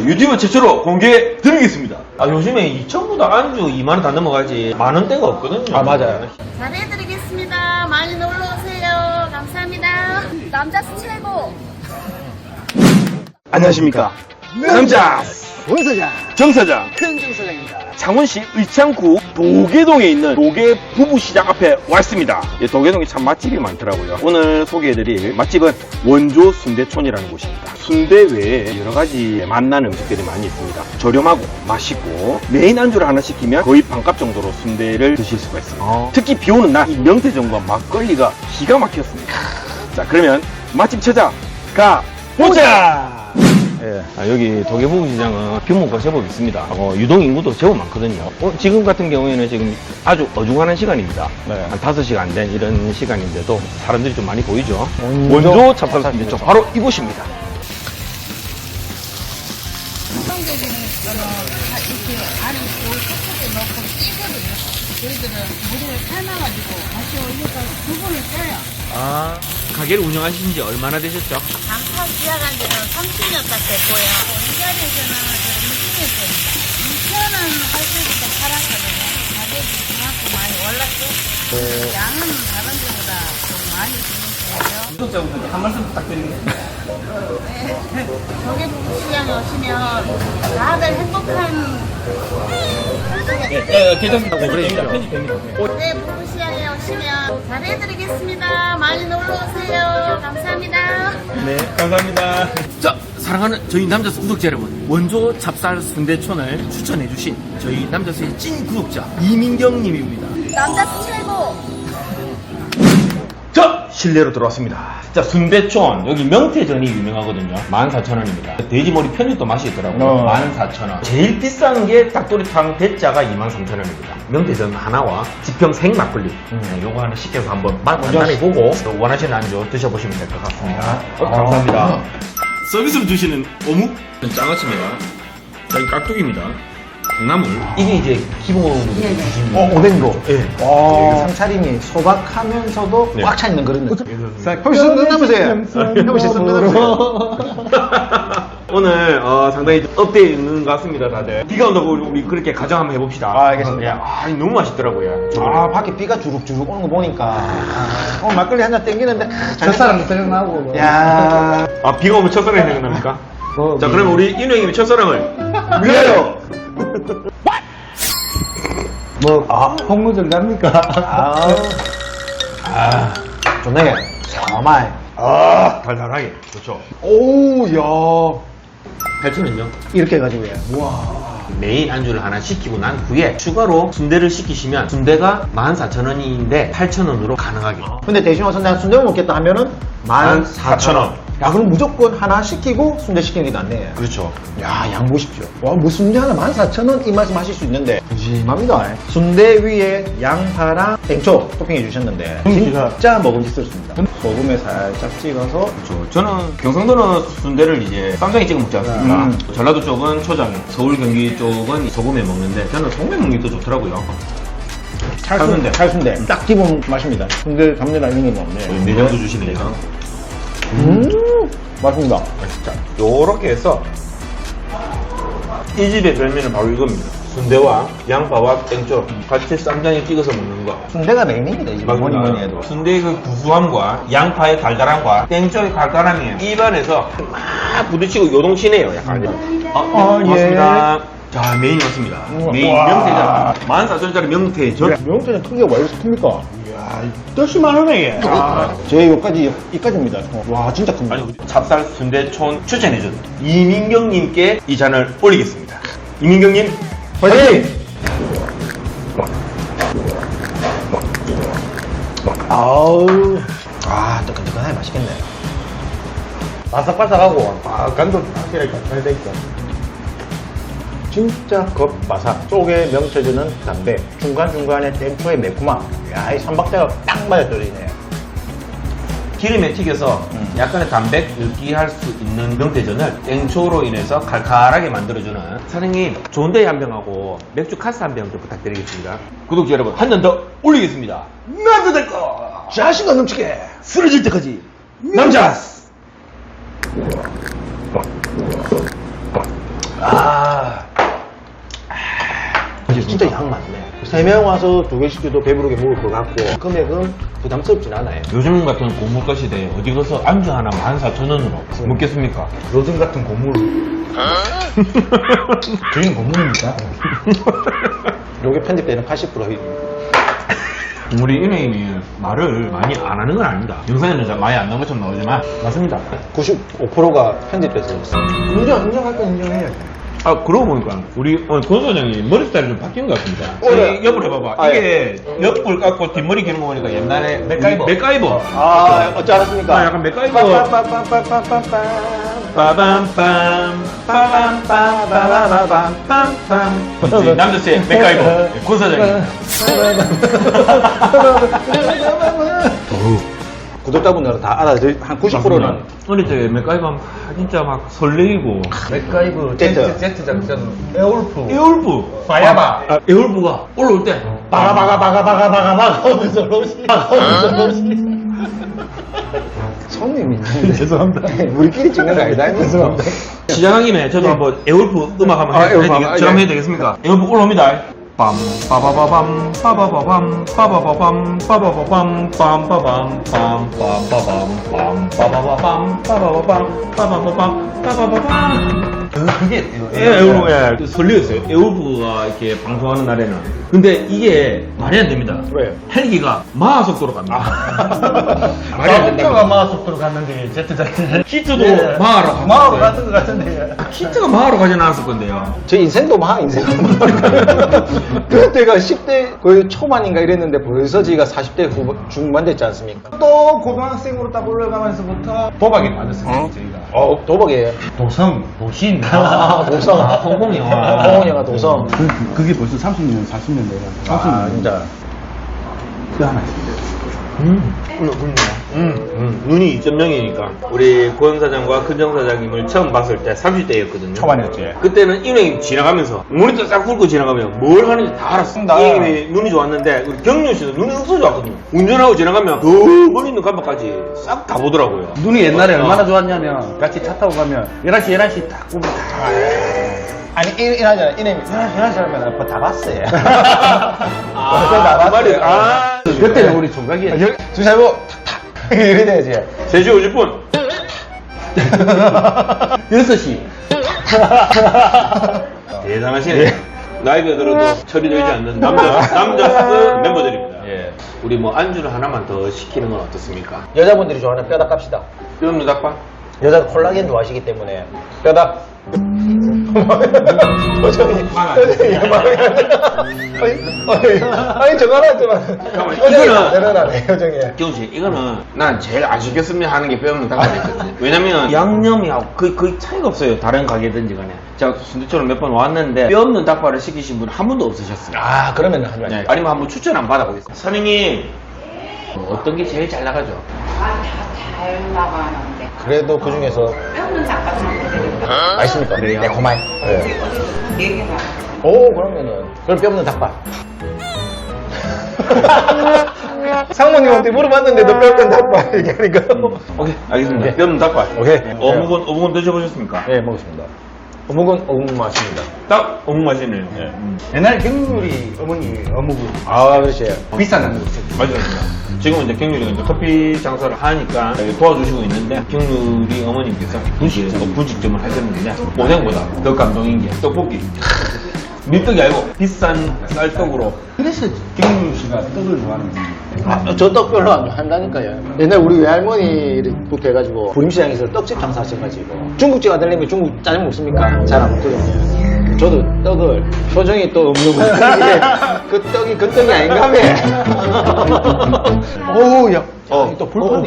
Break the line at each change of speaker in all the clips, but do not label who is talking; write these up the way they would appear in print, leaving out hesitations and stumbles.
유튜브 최초로 공개해 드리겠습니다. 아, 요즘에 2,000보다 안주 2만원 다 넘어가지 만원대가 없거든요.
아, 맞아요.
잘해드리겠습니다. 많이 놀러오세요. 감사합니다. 남자스 최고.
안녕하십니까. 남자
원사장
정사장
큰정사장입니다.
창원시 의창구 도계동에 있는 도계 부부시장 앞에 왔습니다. 예, 도계동에 참 맛집이 많더라고요. 오늘 소개해드릴 맛집은 원조 순대촌이라는 곳입니다. 순대 외에 여러가지 맛난 음식들이 많이 있습니다. 저렴하고 맛있고 메인 안주를 하나 시키면 거의 반값 정도로 순대를 드실 수가 있습니다. 특히 비오는 날 이 명태전과 막걸리가 기가 막혔습니다. 자, 그러면 맛집 찾아가 보자! 예, 여기 도계부부시장은 규모가 제법 있습니다. 유동 인구도 제법 많거든요. 지금 같은 경우에는 지금 아주 어중간한 시간입니다.
네.
한 5시가 안 된 이런 시간인데도 사람들이 좀 많이 보이죠. 원조 찹쌀순대촌 바로 이곳입니다.
성적인 거는 이렇게 안에 요 속속에 넣고 찌거든요. 저희들은 물에 삶아가지고 다시 올려서 두부를 쪄요.
아, 가게를 운영하신 지 얼마나 되셨죠?
장사 시작한 지는 30년 딱 됐고요. 이 자리에서는 20년째입니다. 2천원 할 때부터 팔았거든요. 가격이 그만큼 많이 올랐죠. 양은 다른 데보다 좀 많이 드는 편이죠.
구독자분들께 한 말씀 부탁드립니다.
조개부부시장에 오시면 다들 행복한
괜찮습니다. 편집됩니다.
조개부부시장에 오시면 잘해드리겠습니다. 많이 놀러오세요. 감사합니다.
네, 감사합니다.
자, 사랑하는 저희 남자스 구독자 여러분, 원조 찹쌀 순대촌을 추천해주신 저희 남자스의 찐 구독자 이민경님입니다.
남자스 최고.
자, 실내로 들어왔습니다. 자, 순대촌. 여기 명태전이 유명하거든요. 14,000원입니다. 돼지머리 편육도 맛이 있더라고요. 14,000원. 제일 비싼 게 닭도리탕 대짜가 23,000원입니다. 명태전 하나와 지평 생막걸리. 요거 하나 시켜서 한번 맛 간단해보고 원하시는 안주 드셔보시면 될 것 같습니다. 감사합니다. 서비스로 주시는 어묵 장아찌입니다. 여기 깍두기입니다. 콩나물. 이게 이제 기본으로 주시는
오뎅도.
예.
와, 상차림이 소박하면서도
네.
꽉 차 있는 그런 느낌. 형씨 손 넣어보세요. 형씨 손 넣어보세요.
오늘 상당히 업되어 있는 것 같습니다. 다들 비가 온다고 우리 그렇게 가정 한번 해봅시다.
아, 알겠습니다.
예, 너무 맛있더라고요.
아, 밖에 비가 주룩주룩 오는 거 보니까 오늘 막걸리 한 잔 땡기는데 첫사랑도 생각나고. 야,
비가 오면 첫사랑이 생각납니까? 자, 그러면 우리 인우 형님의 첫사랑을 위하여.
홍무전 갑니까? 좋네. 사마이.
달달하게 좋죠.
오, 야.
8,000원요.
이렇게 해가지고, 예. 우와.
메인 안주를 하나 시키고 난 후에 추가로 순대를 시키시면 순대가 14,000원인데 8,000원으로 가능하게.
근데 대신 와서 내가 순대 먹겠다 하면은
14,000원.
야, 그럼 무조건 하나 시키고 순대 시키는 게 낫네.
그렇죠.
야, 양 보십시오. 와, 뭐 순대 하나 14,000원 이 맛이 마실 수 있는데 푸짐합니다. 순대 위에 양파랑 땡초 토핑해 주셨는데 진짜 먹음직스럽습니다. 소금에 살짝 찍어서
그렇죠. 저는 경상도는 순대를 이제 쌈장에 찍어 먹지 않습니까? 전라도 쪽은 초장, 서울 경기 쪽은 소금에 먹는데 저는 소금에 먹는 게 더 좋더라고요.
찰순대. 딱 기본 맛입니다. 순대 잡내나 이런 게 없네.
내장도 주시네요.
맛있습니다.
자, 요렇게 해서 이 집의 별미는 바로 이겁니다. 순대와 양파와 땡초 같이 쌈장에 찍어서 먹는 거.
순대가 메인입니다. 이제 뭐니 해도.
순대의 그 구수함과 양파의 달달함과 땡초의 달달함이 입안에서 막 부딪히고 요동치네요. 약간. 고맙습니다. 자, 메인이 왔습니다. 메인 명태전. 14,000원짜리 명태전.
명태는 크기가 왜 이렇게 큽니까? 이야, 뜻이만 하네, 얘. 제 이까지입니다. 와, 진짜 큽니다.
아니, 찹쌀 순대촌 추천해준 이민경님께 이 잔을 올리겠습니다. 이민경님,
화이팅! 아우, 뜨끈뜨끈하게 맛있겠네. 바삭바삭하고, 간도 확실하게 잘 돼있어. 진짜 겉바삭. 쪽에 명태주는 담백. 중간중간에 땡초의 매콤함. 야, 이 삼박자가 딱 맞아떨어지네.
기름에 튀겨서 약간의 담백, 느끼할 수 있는 명태전을 땡초로 인해서 칼칼하게 만들어주는 사장님, 좋은 데이 한 병하고 맥주 카스 한 병 좀 부탁드리겠습니다. 구독자 여러분, 한 잔 더 올리겠습니다. 나도 될 거!
자신감 넘치게
쓰러질 때까지 남자스!
진짜 양 많네. 3명 와서 2개 시켜도 배부르게 먹을 것 같고, 금액은 부담스럽진 않아요.
요즘 같은 고물가 시대에 어디 가서 안주 하나 14,000원으로 먹겠습니까?
요즘 같은 고물. 저희는 고물입니까? 요게 편집되는 80%.
우리 인행이 말을 많이 안 하는 건 아닙니다. 영상에는 잘 많이 안 나온 것처럼 나오지만 맞습니다.
95%가 편집돼서 있어요. 인정할 건 인정해야지.
아, 그러고 보니까 우리 권 소장이 머리 스타일이 좀 바뀐 것 같습니다.
네.
옆으로 해봐봐. 이게 옆을 깎고 뒷머리 기는 거 보니까 옛날에
맥가이버.
맥가이버.
어찌 알았습니까?
아, 약간 맥가이버. 빠밤빰 빠밤빰빰빰빰빰빰 남자의 맥가이버 권 소장님.
구독자분들은 다 알아들, 한 90%는.
어릴 때 맥가이버 하면 진짜 막 설레이고.
맥가이브
Z 작전 에올프
에올프.
바야바
에올프가 올라올 때.
바가 하면서 로시. 손님이 있는데. 죄송합니다. 우리끼리 찍는 거 아니다. 죄송합니다.
시작한 김에 저도 한번 에올프 음악 한번
에올프 한번,
해도 되겠습니까? 에올프 올라옵니다. 빰 빠바바밤 빠바바밤 빠바바밤 빠바바밤 빰빠밤 빰빰빠밤 빰빠바바밤 빠바바밤 빠바바밤 빠바바밤
그게
에올프 설레었어요. 에올프가 이렇게 방송하는 날에는. 근데 이게 말이 안 됩니다.
왜요?
헬기가 마하 속도로 갑니다. 말이 안 된다.
자동차가 마속도로 갔는데 Z 작전
키트도 마하로 갑니다.
마하로 갔던 것 같은데
키트가 마하로 가지는 않았을 건데요.
제 인생도 인생도 그때가 10대 거의 초반인가 이랬는데 벌써 지가 40대 중반 됐지 않습니까?
또 고등학생으로 딱 올라가면서부터 도박에 빠졌습니다 저희가
도박이에요.
도성 도신
도성.
홍콩 영화.
홍콩 영화 도성.
그게 벌써 30년, 40년 돼요. 30년.
아, 진짜.
그 하나 있어요.
눈이 2.0이니까 우리 권 사장과 큰정 사장님을 처음 봤을 때 30대였거든요.
초반이었지.
그때는 이 형님 지나가면서 모니터 싹 훑고 지나가면 뭘 하는지 다 알았어. 이 형님이 눈이 좋았는데 우리 경윤 씨도 눈이 없어 좋았거든요. 운전하고 지나가면 그 멀리 있는 간판까지 싹 다 보더라고요.
눈이 옛날에 얼마나 좋았냐면 같이 차 타고 가면 11시 딱 보면 다
아니, 이러잖아. 이놈이, 이런 사람은 아빠 다 봤어요.
그 말이
그때는 우리 총각이었지
주사위보 탁탁. 이래 돼야지.
3시 50분
6시
대단하시네. 나이가 들어도 처리되지 않는 남자스 멤버들입니다. 예. 우리 뭐 안주를 하나만 더 시키는 건 어떻습니까?
여자분들이 좋아하는 뼈닭 갑시다.
뼈없는 닭발?
여자 콜라겐 좋아하시기 때문에. 뼈닭. 표정이 아니 저거 하나 좀 내려놔네 표정이.
기훈 씨, 이거는 난 제일 안 시켰으면 하는 게 뼈없는 닭발이거든요. 왜냐면 양념이하고 거의 차이가 없어요. 다른 가게든지 간에. 제가 순대처럼 몇 번 왔는데 뼈없는 닭발을 시키신 분 한 분도 없으셨어요.
아 그러면 하지 마세요.
네, 아니면 한번 추천 한번 받아보겠습니다. 사장님, 어떤 게 제일 잘 나가죠?
잘 나가는데.
그래도 그 중에서
뼈는 닭발
맛있습니까?
그래요?
매콤한. 네.
4개나.
오 그러면은 그럼 뼈 없는 닭발. 상무님한테 물어봤는데도 뼈 없는 닭발 얘기하니까.
오케이, 알겠습니다.
네.
뼈없는 닭발.
오케이.
어묵은 드셔보셨습니까?
네 먹었습니다. 어묵은 어묵 맛입니다.
딱 어묵 맛이네요.
옛날에 경률이 어머니 어묵을
아 그렇지.
비싼 거 있었지
맞습니다. 지금은 이제 경률이가 이제 커피 장사를 하니까 도와주시고 있는데 경률이 어머님께서 분식점을 하셨는데 오뎅보다 더 감동인 게 떡볶이. 밀떡이 아니고 비싼 쌀떡으로.
그래서 경률 씨가 떡을 좋아하는 거예요
저 떡 별로 안 좋아한다니까요. 옛날 우리 외할머니부터 해가지고 부림시장에서 떡집 장사하셔가지고 중국집 아들님이 중국 짜장 먹습니까? 잘 안 먹거든요. 저도 떡을 표정이 또 없는 거예요. 그 떡이 그 떡이 아닌가 봐. 오우 야. 또 불판이.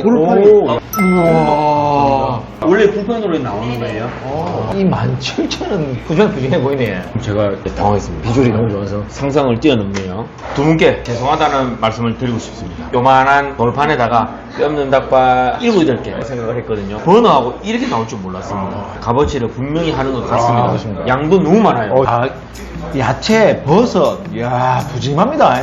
우와. 원래 불판으로 나오는 거예요?
이 17,000원 부지런해 보이네.
제가 당황했습니다.
비주얼이 너무 좋아서.
상상을 뛰어넘네요. 두 분께 죄송하다는 말씀을 드리고 싶습니다. 요만한 돌판에다가 뼈 없는 닭발 7, 8개 생각을 했거든요. 버너하고 이렇게 나올 줄 몰랐습니다. 값어치를 분명히 하는 것 같습니다.
그렇습니다.
양도 너무 많아요.
아, 야채, 버섯, 이야, 부짐합니다.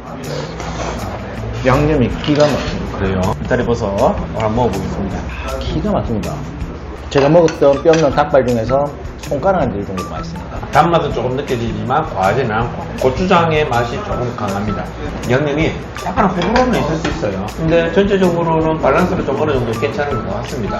양념이 기가 막힙니다.
그래요. 이탈리 버섯 한번 먹어보겠습니다.
기가 막힙니다. 제가 먹었던 뼈 없는 닭발 중에서 손가락 안 들 정도로 맛있습니다.
단맛은 조금 느껴지지만 과하지는 않고 고추장의 맛이 조금 강합니다. 양념이 약간 호불호는 있을 수 있어요. 근데 전체적으로는 밸런스가 좀 어느 정도 괜찮은 것 같습니다.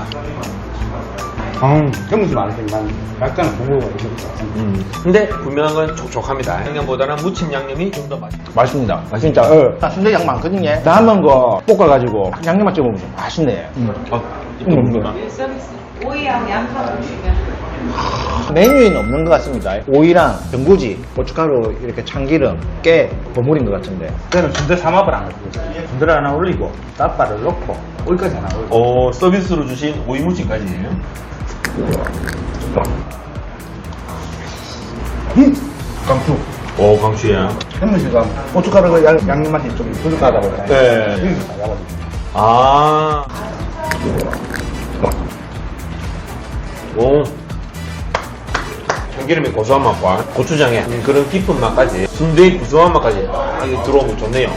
경험이 많으니까 약간 부모가 있을 것 같습니다.
근데 분명한 건 촉촉합니다. 양념보다는 무침 양념이 좀 더 맛있어요.
맛있습니다. 진짜. 순대 양 많거든요. 남은 거 볶아가지고 양념만 찍어보면 좀 맛있네.
이거 뭡니까?
오이하고 양파를 주면
메뉴에는 없는 것 같습니다. 오이랑 전구지, 고춧가루, 이렇게 참기름, 깨, 버무린 것 같은데.
저는 순대 삼합을 안 하고 순대를 하나 올리고 닭발을 넣고 오이까지 하나 올리고
서비스로 주신 오이 무침까지예요.
강추.
오, 강추야.
현무 씨가 고춧가루 양념 맛이 좀 부족하다고 그래요.
네.
여기서 다 잡아주고.
아. 오. 참기름의 고소한 맛과 고추장의 그런 깊은 맛까지 순대의 구수한 맛까지 이게 들어오면 좋네요.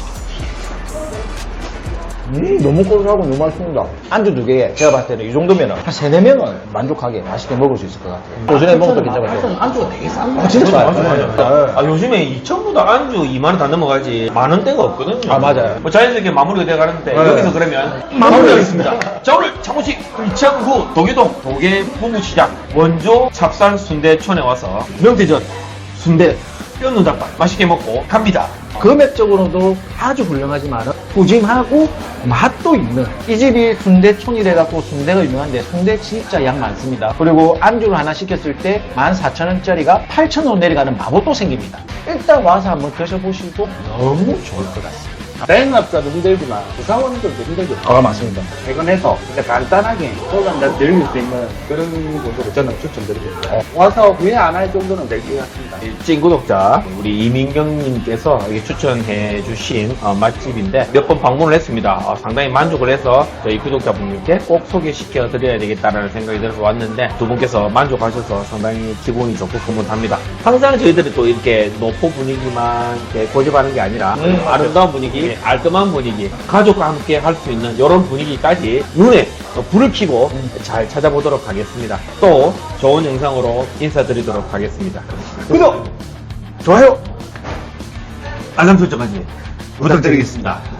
너무 고소하고 너무 맛있습니다. 안주 두 개에 제가 봤을 때는 이 정도면 한 3, 4명은 만족하게 맛있게 먹을 수 있을 것 같아요. 오전에 먹어도 괜찮을 것 같아요.
안주가 되게 싼
진짜 싸요.
아, 요즘에 2,000보다 안주 2만원 다 넘어가지 만원대가 없거든요.
아, 맞아요.
뭐 자연스럽게 마무리가 돼 가는데
네.
여기서 그러면 마무리하겠습니다. 자, 오늘 창원시 의창구 도계동 도계부부시장 원조 찹쌀 순대촌에 와서 명태전 순대 뼈는 닭발 맛있게 먹고 갑니다.
금액적으로도 아주 훌륭하지만 푸짐하고 맛도 있는 이 집이 순대촌이래갖고 순대가 유명한데 순대 진짜 양 많습니다. 그리고 안주를 하나 시켰을 때 14,000원짜리가 8,000원 내려가는 마법도 생깁니다. 일단 와서 한번 드셔보시고 너무 좋을 것 같습니다.
자영업자도 힘들지만 구사원들도 힘들겠죠.
아, 맞습니다.
퇴근해서 진짜 간단하게 소감을 즐길 수 있는 그런 곳으로 저는 추천드리겠습니다. 와서 후회 안 할 정도는 될 것 같습니다.
찐 구독자 우리 이민경님께서 추천해 주신 맛집인데 몇 번 방문을 했습니다. 상당히 만족을 해서 저희 구독자분들께 꼭 소개시켜 드려야 되겠다라는 생각이 들어서 왔는데 두 분께서 만족하셔서 상당히 기분이 좋고 흐뭇합니다. 항상 저희들이 또 이렇게 노포 분위기만 이렇게 고집하는 게 아니라 아름다운 분위기, 알뜰한 분위기, 가족과 함께 할 수 있는 이런 분위기까지 눈에 불을 켜고 잘 찾아보도록 하겠습니다. 또 좋은 영상으로 인사드리도록 하겠습니다. 구독, 좋아요, 알람 설정까지 부탁드리겠습니다.